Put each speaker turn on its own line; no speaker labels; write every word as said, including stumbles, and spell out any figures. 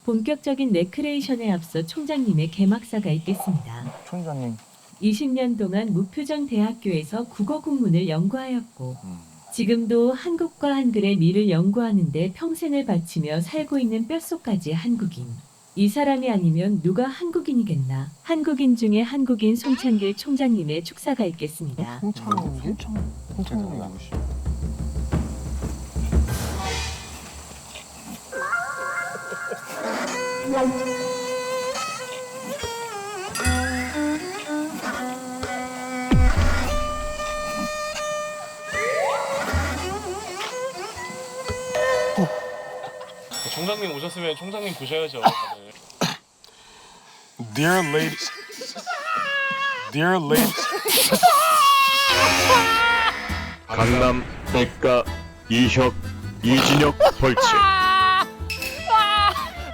본격적인 레크레이션에 앞서 총장님의 개막사가 있겠습니다.
총장님.
이십 년 동안 무표정 대학교에서 국어 국문을 연구하였고
음.
지금도 한국과 한글의 미를 연구하는 데 평생을 바치며 살고 있는 뼛속까지 한국인. 이 사람이 아니면 누가 한국인이겠나. 한국인 중에 한국인 송창길 총장님의 축사가 있겠습니다.
홍창민이? 홍창민. 홍창민이 아니시.
총장님 오셨으면 총장님 보셔야죠. 다들.
Dear ladies, dear ladies.
강남 백가 이혁 이진혁 벌칙